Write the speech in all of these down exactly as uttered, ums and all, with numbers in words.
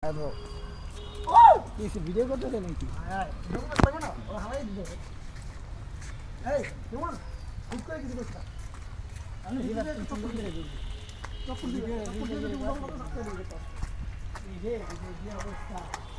আদো কি ভিডিও করতে দেন নাকি হ্যাঁ ভিডিও করতে পারবো না ও হাওয়াই দিবে এই তোমার ঠিক করে কিছু করছ আমি ভিডিও চক্কর দিয়ে দিই চক্কর দিয়ে চক্কর দিয়ে দিই উড়াল মতো থাকতে দিই তো এই যে এই যে অবস্থা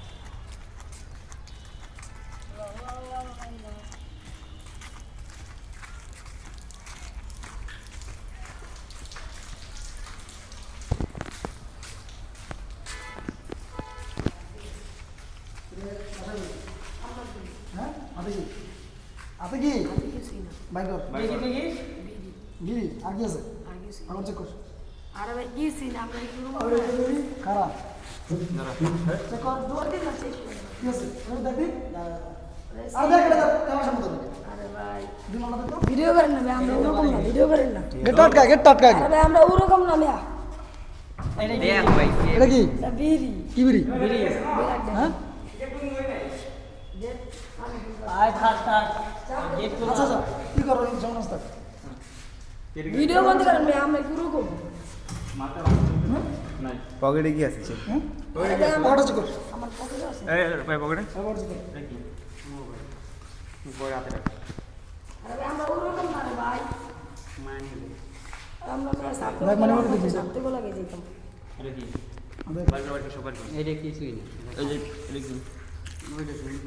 আপনি কি বাইক দেখি দেখি গিরি আগে আছে আমার চেক কর আরে ভাই গিয়েছি না আমরা কি রুম খারাপ চেক কর দুয়ার দিন আছে কি আছে ওই দেখি আর দেখ এটা কেমন সম্মত আরে ভাই দিন না দেখো ভিডিও করেন না ভাই আমরা ওরকম না ভিডিও করেন না গেট টাটকা গেট টাটকা আরে ভাই আমরা ওরকম না মিয়া দেখ ভাই এটা কি এটা বিড়ি কি বিড়ি বিড়ি হ্যাঁ আয় থাক থাক গেট তো আচ্ছা আচ্ছা কি করো সমস্যা ভিডিও বন্ধ করেন ভাই আমরা কি ওরকম নাই পকেটে কি আছে হ্যাঁ আরে ভাই আমার পকেটে চেক কর আমার পকেটে আছে এই ভাই পকেটে পকেটে চেক কর দেখি বড় হাতে রাখ আরে ভাই আমরা ওরকম না রে ভাই মানি আমরা মেয়ে সাথে ভাই, মানে ওরকম দিছে। সাথে বলা গেছে যেতাম এটা কি আবে বাইরে বাইরে সবার কি এটা কিছুই না এই যে এটা কি ওইটা শুনি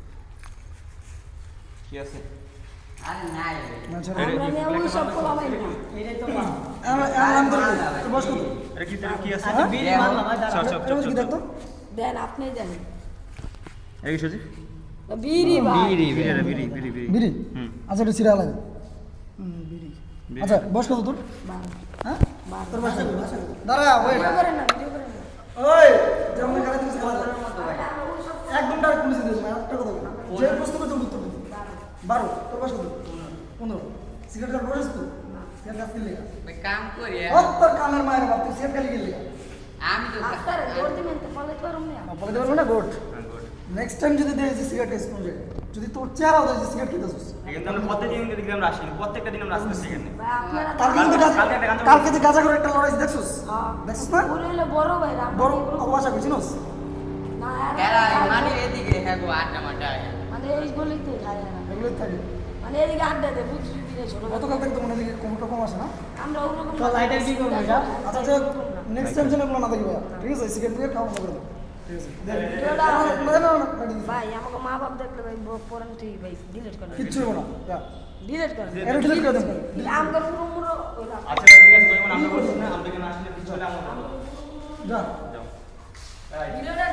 কি আছে আরে নাই না ছাড়া আমরা মেয়ে ওই সব কোলামাই না এটাই তো আমরা আরাম করে তো বস কত এটা কি কি আছে হ্যাঁ? বিড়ি মারলাম ভাই দাঁড়া চল চল এটা কি দেখতো দেন আপনি দেন এটা কি সজি বিড়ি ভাই বিড়ি বিড়ি বিড়ি বিড়ি বিড়ি বিড়ি হুম আচ্ছা এটা সিরা লাগে হুম বিড়ি বিড়ি। আচ্ছা বস কত তোর বারো হ্যাঁ বারো তোর বস দাঁড়া ওই ভিডিও করেন না ভিডিও করেন না ওই যেমন খেলা তুমি খেলা একদম ডাইরেক্ট পুলিশে দিয়েছো একটা কথা বল। যে প্রশ্ন করতে উত্তর দিবি বারো তোর বয়স কত পনেরো সিগারেট খাওয়ার বয়স তো সিগারেট খাস কিনলে ভাই কাম করি ও তোর কানের মায়ের বাপ তুই সিগারেট খালি কিনলে আমি তো আপনার জোর দিবেন তো ফলে তো রুম না বলে দেবেন না গোট নেক্সট টাইম যদি দেয় যে সিগারেট টেস্ট করবে যদি তোর চেহারা দেয় যে সিগারেট খেতেছিস কিন্তু আমরা প্রত্যেকদিন কিন্তু আমরা আসি প্রত্যেকটা দিন আমরা আসতেছি এখানে ভাই আপনারা কালকে কিন্তু গাজা কালকে একটা গাঁজা কালকে যে গাজা করে একটা লড়াই দেখছিস হ্যাঁ দেখছিস না পুরো হলো বড় ভাই রাম বড় অবাসা করছিস না এরা আর- মানে এদিকে হ্যাঁ গো আড্ডা মাড্ডা মানে এই বলেই তো খায় না এগুলোই থাকে মানে এদিকে আড্ডা দেয় বুঝলি দিনে ছোট গতকাল থেকে তো মনে হয় কমটা কম আসে না আমরা ওরকম তো লাইটার কি করবো এটা? আচ্ছা যে নেক্সট টাইম যেন এগুলো না দেখি ভাইয়া ঠিক আছে সিগারেট দিয়ে খাওয়া বন্ধ করে দেবো ঠিক আছে দেখ। ভিডিওটা না, না, না, না, না, না, ভাই আমাকে মা বাপ দেখলে ভাই পরেন তুই ভাই ডিলিট করেন কিচ্ছু হবো না যা। ডিলিট করেন এটা delete করে দেন। আমগর পুরো পুরো ওইটা আচ্ছা ঠিক আছে যখন আমরা বলছি না আমরা এখানে আসলে কিছু হলে আমরা যা যাও ভিডিওটা